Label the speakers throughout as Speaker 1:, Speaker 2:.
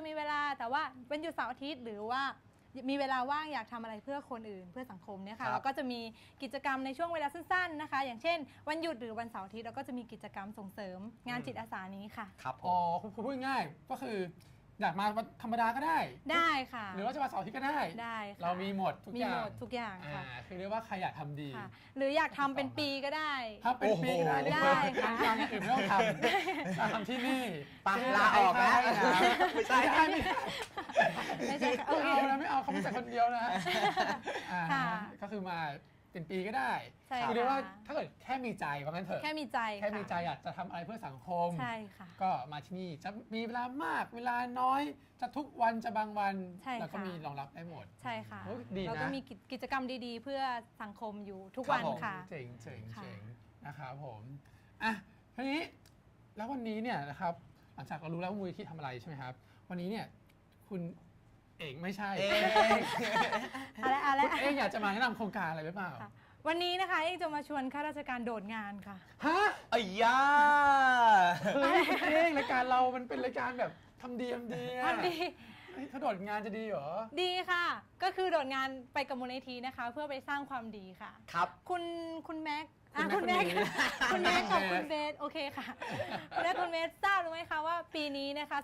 Speaker 1: มีเวลาแต่ว่าวันหยุดเสาร์อาทิตย์หรือว่ามีเวลาว่างอยากทำอะไรเพื่อคนอื่นเพื่อสังคมเนี่ยค่ะเราก็จะมีกิจกรรมในช่วงเวลาสั้นๆนะคะอย่างเช่นวันหยุดหรือวันเสาร์อาทิตย์เราก็จะมีกิจกรรมส่งเสริมงานจิตอาสานี้ค่ะ
Speaker 2: ครับ
Speaker 3: อ๋อคุณพูดง่ายก็คืออยากมาวันธรรมดาก็ได้
Speaker 1: ได้ค่ะ
Speaker 3: หรือว่าจะมาเสาร์อาทิตย์ก็ได้
Speaker 1: ค่ะ
Speaker 3: เรามีหมดทุกอย่าง
Speaker 1: มีหมดทุกอย่างค่ะ
Speaker 3: คือเรียกว่าใครอยากทำดี
Speaker 1: หรืออยากทำเป็นปีก็ได้
Speaker 3: ถ้าเป็นปีก็ได้
Speaker 1: ได้ค่ะ
Speaker 3: ทำอื่นไม่ต้องทำทำที่นี่
Speaker 2: ปลาออกนะไม่ใช่
Speaker 1: ไม่ใช่
Speaker 3: โอเคไม่เอาเขาไม่ใช่คนเดียวนะก็คือมาเป็นปีก็ได้คือเรียกว่าถ้าเกิดแค่มีใจว่างั้นเถอะ
Speaker 1: แค่มีใจ
Speaker 3: อยากจะทำอะไรเพื่อสังคม
Speaker 1: ใช่ค่ะ
Speaker 3: ก็มาที่นี่จะมีเวลามากเวลาน้อยจะทุกวันจะบางวันแล้วก็มีรองรับได้หมด
Speaker 1: ใช่ค่ะ
Speaker 3: เรา
Speaker 1: ก็มีกิจกรรมดีๆเพื่อสังคมอยู่ทุกวันค่ะ
Speaker 3: เจ๋งนะครับผมอ่ะทีนี้แล้ววันนี้เนี่ยนะครับหลังจากเรารู้แล้วว่ามูลนิธิทำอะไรใช่ไหมครับวันนี้เนี่ยคุณเอกไม่ใช่
Speaker 1: อะไร
Speaker 3: คุณเอกอยากจะมาแนะนำโครงการอะไรหรือเปล่า
Speaker 1: วันนี้นะคะเอกจะมาชวนข้าราชการโดดงานค่ะ
Speaker 3: ฮะ
Speaker 2: อ้ยา
Speaker 3: เอกรายการเรามันเป็นรายการแบบทำดีถ้าโดดงานจะดีเหรอ
Speaker 1: ดีค่ะก็คือโดดงานไปกับมูลนิธินะคะเพื่อไปสร้างความดีค่ะ
Speaker 2: ครับ
Speaker 1: คุณแม็กคุณแม็กกับคุณเบสโอเคค่ะและคุณเบสทราบหรือไม่คะว่าปีนี้นะคะ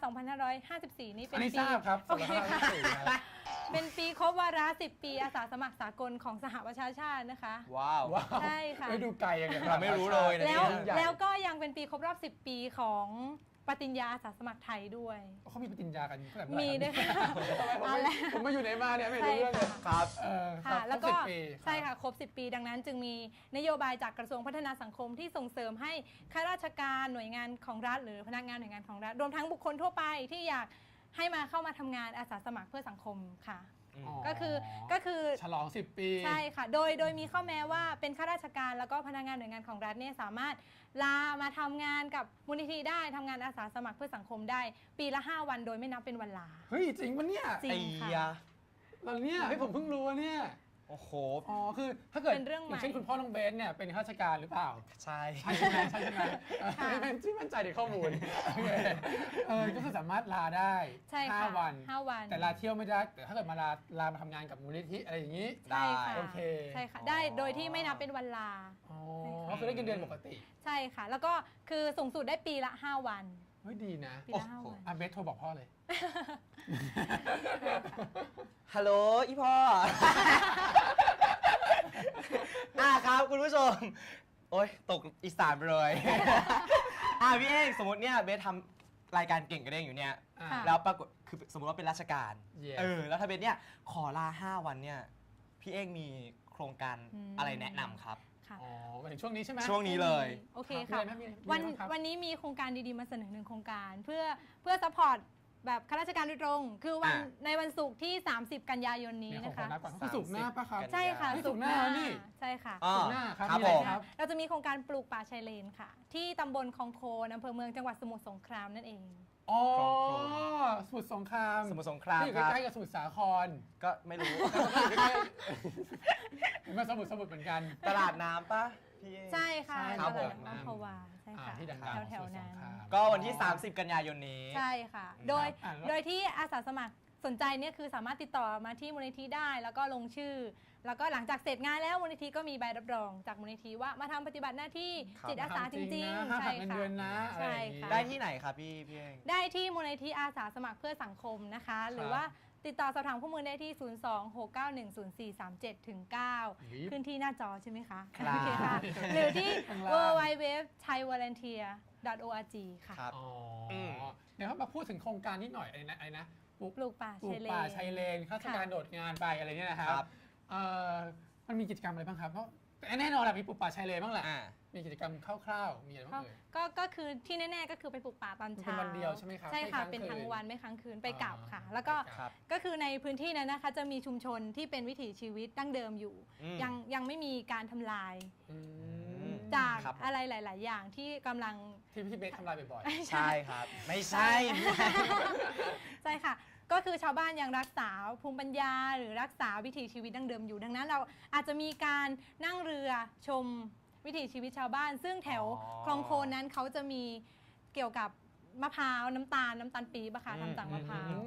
Speaker 1: 2554นี้เป็นปี
Speaker 3: ทราบครับ
Speaker 1: โอเคค่ะเป็นปีครบวาระ10 ปีอาสาสมัครสากลของสหประชาชาตินะคะ
Speaker 2: ว้าว
Speaker 1: ใช่ค่ะ
Speaker 3: ไม่ดูไกลอย่างเงี้ย
Speaker 2: ไม่รู้เลย
Speaker 1: แล้วก็ยังเป็นปีครบรอบ10 ปีของปฏิญญาอาสาสมัครไทยด้วย
Speaker 3: เขามีปฏิญญากัน
Speaker 1: มีด้วยค่ะ
Speaker 3: ผมมาอยู่ไหนมาเนี่ยไม่รู้เรื่องเลย
Speaker 2: ครับ
Speaker 1: ค่ะแล้วก็ใช่ค่ะครบ10 ปีดังนั้นจึงมีนโยบายจากกระทรวงพัฒนาสังคมที่ส่งเสริมให้ข้าราชการหน่วยงานของรัฐหรือพนักงานหน่วยงานของรัฐรวมทั้งบุคคลทั่วไปที่อยากให้มาเข้ามาทำงานอาสาสมัครเพื่อสังคมค่ะก็คือ
Speaker 3: ฉลอง10 ปี
Speaker 1: ใช่ค่ะโดยมีข้อแม้ว่าเป็นข้าราชการแล้วก็พนักงานหน่วยงานของรัฐเนี่ยสามารถลามาทำงานกับมูลนิธิได้ทำงานอาสาสมัครเพื่อสังคมได้ปีละ5 วันโดยไม่นับเป็นวันลา
Speaker 3: เฮ้ยจริงปะเนี่ย
Speaker 1: จริงค่ะ
Speaker 3: เราเนี่ยให้ผมเพิ่งรู้เนี่ย
Speaker 2: โอ้โห
Speaker 3: คือถ้าเกิดอย่างเช่นคุณพ่อน้องเบสเนี่ยเป็นข้าราชการหรือเปล่า
Speaker 2: ใช่
Speaker 3: ใช่ไหมที่มั่นใจในข้อมูลก็คือสามารถลาได้5 วันแต่ลาเที่ยวไม่ได้แต่ถ้าเกิดมาลามาทำงานกับมูลนิธิอะไรอย่างนี้
Speaker 1: ได้โ
Speaker 3: อเค
Speaker 1: ใช่ค่ะได้โดยที่ไม่นับเป็นวันลา
Speaker 3: ก็คือได้เงินเดือนปกติ
Speaker 1: ใช่ค่ะแล้วก็คือสูงสุดได้ปีละ5 วัน
Speaker 3: เฮ้ยดีนะ
Speaker 1: ปีละ5 วัน
Speaker 3: เบสโทรบอกพ่อเลย
Speaker 2: ฮัลโหลอีพ่อครับคุณผู้ชมโอ๊ยตกอีสานไปเลยพี่เอกสมมติเนี่ยเบสทำรายการเก่งกระเด้งอยู่เนี่ยแล้วปรากฏคือสมมติว่าเป็นราชการแล้วถ้าเบสเนี่ยขอลา5 วันเนี่ยพี่เอกมีโครงการอะไรแนะนำครับ
Speaker 3: อ๋อมาถึงช่วงนี้ใช่ไหม
Speaker 2: ช่วงนี้เลย
Speaker 1: โอเคค่ะวันนี้มีโครงการดีๆมาเสนอ1 โครงการเพื่อซัพพอร์ตแบบข้าราชการโดยตรงคือในวันศุกร์ที่30 กันยายนนี้นะคะ
Speaker 3: ศุกร์หน้าปะครับ
Speaker 1: ใช่ค่ะ
Speaker 3: ศุกร์หน้านี่
Speaker 1: ใช่ค่ะ
Speaker 3: ศุกร์หน้าครับ
Speaker 1: เราจะมีโครงการปลูกป่าชายเลนค่ะที่ตำบลคลองโคนอำเภอเมืองจังหวัดสมุทรสงครามนั่นเอง
Speaker 3: อ๋อสมุทรสงคราม
Speaker 2: ที่อยู่
Speaker 3: ใกล้ๆกับสมุทรสาคร
Speaker 2: ก็ไม่รู้
Speaker 3: มาสมุทรเหมือนกัน
Speaker 2: ตลาดน้ำปะ
Speaker 1: ใช่ค่ะตลาดน้ำภาวาใช่ค่ะ
Speaker 3: ที่ดังๆ
Speaker 1: แถวๆนั้น
Speaker 2: ก็วันที่30 กันยายนนี้
Speaker 1: ใช่ค่ะโดยที่อาสาสมัครสนใจเนี่ยคือสามารถติดต่อมาที่มูลนิธิได้แล้วก็ลงชื่อแล้วก็หลังจากเสร็จงานแล้วมูลนิธิก็มีใบรับรองจากมูลนิธิว่ามาทำปฏิบัติหน้าที่จิตอาสาจริงๆใช่ค่ะ
Speaker 3: ใช่ค่ะ
Speaker 2: ได้ที่ไหนครับพี่เอง
Speaker 1: ได้ที่มูลนิธิอาสาสมัครเพื่อสังคมนะคะหรือว่าติดต่อสอบถามข้อมูลได้ที่ 026910437-9 ขึ้นที่หน้าจอใช่ไหมคะโอเคค่ะหรือที่ www.thaivolunteer.org ค่ะ
Speaker 3: เดี๋ยวมาพูดถึงโครงการนิดหน่อยอะไรนะ
Speaker 1: ปลูกป่า
Speaker 3: ชายเลนข้าราชการโดดงานไปอะไรเนี่ยนะครับมันมีกิจกรรมอะไรบ้างครับเพราะแน่นอนแหละมีปลูกป่าชายเลนบ้างแหละมีกิจกรรมคร่าวๆมีอะไรบ้าง
Speaker 1: ก็คือที่แน่ๆก็คือไปปลูกป่าตอนเช้า
Speaker 3: เป็นวันเดียวใช่ไหมครับ
Speaker 1: ใช่ค่ะเป็นทั้งวันไม่ค้างคืนไปกลับค่ะแล้วก็คือในพื้นที่นั้นนะคะจะมีชุมชนที่เป็นวิถีชีวิตดั้งเดิมอยู่ยังไม่มีการทำลายจากอะไรหลายๆอย่างที่กำลัง
Speaker 3: ที่พี่เบสทำลายบ่อย
Speaker 2: ๆใช่ครับไม่ใช่
Speaker 1: ใช่ค่ะก็คือชาวบ้านยังรักษาภูมิปัญญาหรือรักษาวิถีชีวิตดั้งเดิมอยู่ดังนั้นเราอาจจะมีการนั่งเรือชมวิถีชีวิตชาวบ้านซึ่งแถวคลองโคนนั้นเขาจะมีเกี่ยวกับมะพร้าวน้ำตาลปี๊บค่ะทำจากมะพร้าว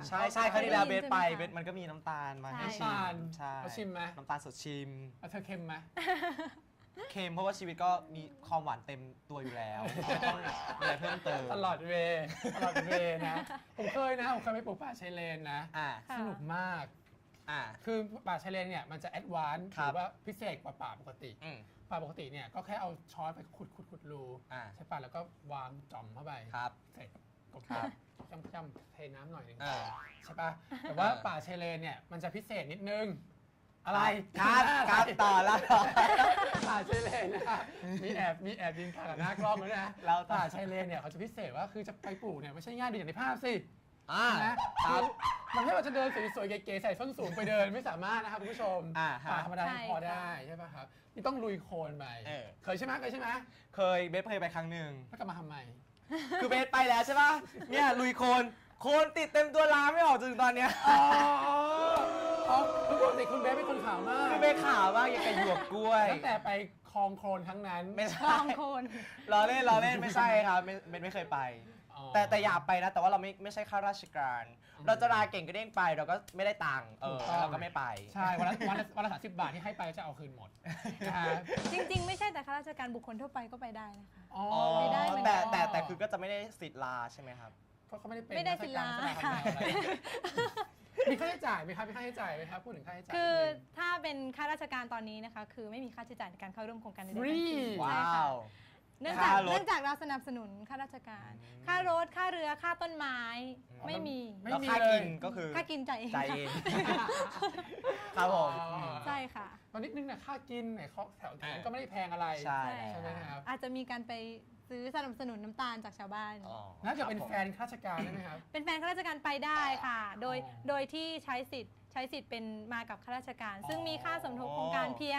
Speaker 2: ใช่ใช่ครั้งที่แล้วเบสไปเบสมันก็มีน้ำตาลมาให้ชิ
Speaker 3: น้ำตาล
Speaker 2: มใช่
Speaker 3: เราชิมไหม
Speaker 2: น้ำตาลสดชิม
Speaker 3: แล้วเธอเค็มไหม
Speaker 2: เค็มเพราะว่าชีวิตก็มีความหวานเต็มตัวอยู่แล้วไม่ต้องมีอะไรเพิ่มเติม
Speaker 3: ตลอดเวย์นะ ผมเคยไปปลูกป่าชายเลนนะ
Speaker 2: อ่า
Speaker 3: สนุกมาก
Speaker 2: อ่า
Speaker 3: คือป่าชายเลนเนี่ยมันจะแอดวานซ์
Speaker 2: ครั
Speaker 3: ห
Speaker 2: บ
Speaker 3: รือว่าพิเศษกว่าป่าปกติ
Speaker 2: อืม
Speaker 3: ป่าปกติเนี่ยก็แค่เอาช้อนไปขุดรู
Speaker 2: อ่า
Speaker 3: ใช่ป่ะแล้วก็วางจ่อมเข้าไป
Speaker 2: ครับ
Speaker 3: ใส่กบ
Speaker 2: ครับ
Speaker 3: จ้ำๆเทน้ำหน่อยหนึง
Speaker 2: อ่า
Speaker 3: ใช่ป่ะแต่ว่าป่าชายเลนเนี่ยมันจะพิเศษนิดนึง อะไร
Speaker 2: ครับต่อแล้ว
Speaker 3: ป่าชายเลนนะมีแอบยิงขากับหน้ากล้องด้วยนะ
Speaker 2: เราต่อ
Speaker 3: ป่าชายเลนเนี่ยเขาจะพิเศษว่าคือจะไปปลูกเนี่ยไม่ใช่ง่ายดูอย่างในภาพสิ
Speaker 2: อ่า
Speaker 3: นะครับ มันไม่ว่าจะเดินสวยๆเก๋ๆใส่ส้นสูงไปเดินไม่สามารถนะครับคุณผู้ชม
Speaker 2: อ่าฮะ
Speaker 3: ป่าธรรมดา
Speaker 1: ใช่
Speaker 3: พอได้ใช่ป่ะครับนี่ต้องลุยโคลนไป
Speaker 2: เออ
Speaker 3: เคยใช่ไหม
Speaker 2: เคยเบสเคยไปครั้งหนึ่ง
Speaker 3: แล้วกลับมาทำไม
Speaker 2: คือเบสไปแล้วใช่ป่ะเนี่ยลุยโคลนติดเต็มตัวล้างไม่ออกจนถึงตอนเนี้ย
Speaker 3: อ๋อคือปกติคุณเบสเป็นคนขาวมาก
Speaker 2: คือเบสขาวมากอย่างกับหยวกกล้วย
Speaker 3: ตั้งแต่ไปคลองโคลนครั้งนั้น
Speaker 2: ไม่
Speaker 1: ล
Speaker 2: ใช่
Speaker 1: องโคน
Speaker 2: ล้อเล่นไม่ใช่ครับไม่เคยไป
Speaker 3: อ๋อ
Speaker 2: แต่อยากไปนะแต่ว่าเราไม่ใช่ข้าราชการ เราจะลาเก่งก็เด้งไปเราก็ไม่ได้ตังค์
Speaker 3: ถูกต้อง
Speaker 2: เราก็ไม่ไป
Speaker 3: ใช่วันละ30 บาทที่ให้ไปจะเอาคืนหมดนะฮะ
Speaker 1: จริงๆ ไม่ใช่แต่ข้าราชการบุคคลทั่วไปก็ไปได้นะคะ
Speaker 3: อ๋อ
Speaker 1: ไม่ได้เหมือนกัน
Speaker 2: แต่คือก็จะไม่ได้สิทธิ์ลาใช่ไหมครับ
Speaker 3: เขาไม่ได้เป็น
Speaker 1: ไม่ได้ศิลา
Speaker 3: ราชการอะไรมีค่าใช้จ่ายไหมครับพูดถึงค่าใช้จ่าย
Speaker 1: คือถ้าเป็นข้าราชการตอนนี้นะคะ คือไม่มีค่าใช้จ่ายในการเข้าร่วมโครงการใดๆ
Speaker 3: ฟ
Speaker 1: ทั้ง
Speaker 3: รี
Speaker 1: สิ้น
Speaker 2: ว้
Speaker 1: ใช่
Speaker 2: า
Speaker 1: ค่ะ
Speaker 2: ว
Speaker 1: เนื่อง
Speaker 2: ค่ารถ
Speaker 1: จากเราสนับสนุนข้าราชการ ค่ารถค่าเรือค่าต้นไม้ไม่มี
Speaker 3: ไม่
Speaker 2: แล้ว
Speaker 3: มี
Speaker 2: ค่า
Speaker 3: เล
Speaker 2: กิ
Speaker 3: ย
Speaker 2: นก็คือ
Speaker 1: ค่ากินจ่ายเอง
Speaker 2: จ่ายเองครับผม
Speaker 1: ใช่ค่ะ
Speaker 3: ตอนนิดนึงนะค่ากินไหนแถวนั้นก็ไม่ได้แพงอะไร
Speaker 2: ใช่
Speaker 3: ใช่ไหมครับ
Speaker 1: อาจจะมีการไปซื้อสนับสนุนน้ำตาลจากชาวบ้าน
Speaker 2: อ๋อ
Speaker 3: น่าจะเป็นแฟนข้าราชการได้ไหมครับ
Speaker 1: เป็นแฟนข้าราชการไปได้ค่ะ โดย
Speaker 3: อ๋อ
Speaker 1: โดยที่ใช้สิทธิ์เป็นมากับข้าราชการ ซึ่ง
Speaker 3: อ๋อ
Speaker 1: มีค่าสมทบโครงการเพียง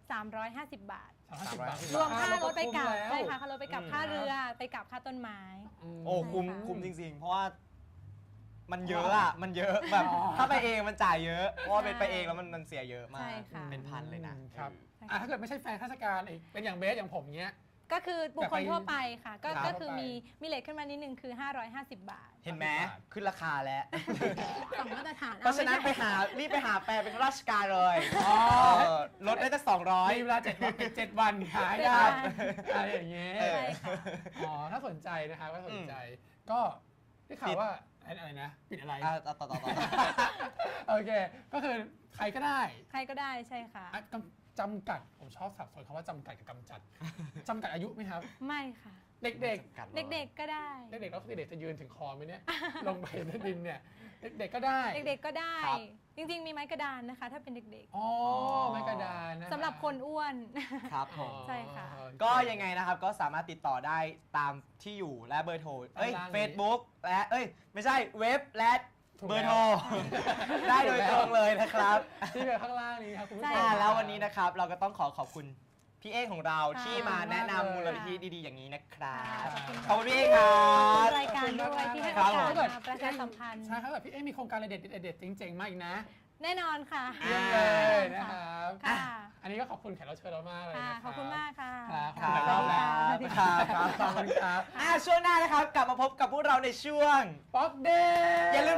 Speaker 1: 350 บาท
Speaker 3: 30 บาท
Speaker 1: รวมค่ารถไปกลับ
Speaker 3: แล้ว
Speaker 1: ใช่ค่ะค่ารถไปกลับ
Speaker 2: อืม
Speaker 1: ค่าเรือไปกลับค่าต้นไม้
Speaker 2: โอ้คุ้ม
Speaker 1: ใช่ค่ะ
Speaker 2: คุ้มจริงๆ เพราะว่ามันเยอะอะมันเยอะแบบถ้าไปเองมันจ่ายเยอะเพราะว่าเป็นไปเองแล้วมันเสียเยอะมาก
Speaker 1: ใช่ค่ะ
Speaker 2: เป็นพันเลยนะครับ
Speaker 3: ถ้าเกิดไม่ใช่แฟนข้าราชการอีกเป็นอย่างเบสอย่างผมเนี้ย
Speaker 1: ก็คือบุคคลทั่วไปค่ะ
Speaker 3: ครับ
Speaker 1: ก็คือมีเลทขึ้นมานิดนึนึงคือ 550 บาท
Speaker 2: เห็นไหมขึ้นราคาแล้ว
Speaker 1: สองมาตรฐาน
Speaker 2: เพราะฉะนั้นรีบไปหาแฟนเป็นข้าราชการเลย
Speaker 3: อ๋อ
Speaker 2: ลดได้ตั้ง
Speaker 3: มีเวลา7 วันหายได้อะไรอย่างเงี้ย
Speaker 2: เออ
Speaker 1: ใช่ค่ะ
Speaker 3: อ๋อถ้าสนใจนะครับก็สนใจ ก็ได้ข่าวว่าอะไรนะปิดอะไร
Speaker 2: ต่อ
Speaker 3: โอเค ก็คือใครก็ได้
Speaker 1: ใครก็ได้ใช่ค่ะ
Speaker 3: จำกัดผมชอบสับสนคำว่าจำกัดกับกำจัดจำกัดอายุไหมครับ
Speaker 1: ไม่ค่ะ
Speaker 3: เด็ก
Speaker 1: เด็กๆก็ได้
Speaker 3: ๆเด็กๆแล้วเด็กๆจะยืนถึงคอไหมเนี่ย ลงไปในดินเนี่ยเด็กๆก็ได้
Speaker 1: เด็กๆก็ได้ จริงๆ มีไม้กระดานนะคะ ถ้าเป็นเด็ก
Speaker 3: อ๋อไม้กระดานนะ
Speaker 1: ๆสำหรับคนอ้วน
Speaker 2: ครับผม
Speaker 1: ใช่ค่ะ
Speaker 2: ก็ยังไงนะครับก็สามารถติดต่อได้ตามที่อยู่และเบอร์โทร
Speaker 3: ด้านล่างนี้
Speaker 2: Facebook และไม่ใช่เว็บและ
Speaker 3: ถูก
Speaker 2: เบอร์
Speaker 3: แล้ว
Speaker 2: โทร ได้โดยตรงเลยนะครับ
Speaker 3: ที่เป็นข้างล่างนี้ครับคุณผู้ช
Speaker 1: ใช่
Speaker 3: ม
Speaker 2: แล้ววันนี้นะครับเราก็ต้องขอบคุณพี่เอกของเรา
Speaker 1: ค่ะ
Speaker 2: ที่มาแนะนำ
Speaker 3: ขอบคุณมากเลย
Speaker 2: มูลนิธิดีๆอย่างนี้นะครับ
Speaker 1: ขอบคุณค่ะ
Speaker 2: ขอบคุณพี่เอกครั
Speaker 1: ขอบคุณ
Speaker 2: บ
Speaker 1: รายการด้วยที่ให้
Speaker 2: ครั
Speaker 1: โอบ กาส
Speaker 2: ผม
Speaker 1: มาประชาสัมพันธ์
Speaker 3: ใช่ครับแบบพี่มีโครงการอะไรเด็ดๆเจ๋งๆมาอีกนะ
Speaker 1: แน่นอนค่ะ
Speaker 3: เยี่ยมเลยนะครับ
Speaker 1: ค่ะ
Speaker 3: อันนี้ก็ขอบคุณแขกรับเชิญเรามากเลย
Speaker 1: ค่ะ
Speaker 3: นะครับ
Speaker 1: ขอบคุณมากค่ะ
Speaker 3: ครับ
Speaker 2: ครั
Speaker 3: ขอบคุณหลายรอบแล้ว
Speaker 1: สวัสดี
Speaker 2: ครั
Speaker 1: ค่ะ
Speaker 2: บ
Speaker 3: ขอบคุณครับ
Speaker 2: ช่วงหน้านะครับกลับมาพบกับพวกเราในช่วง
Speaker 3: ป๊อกเดย์
Speaker 2: อย่าลืม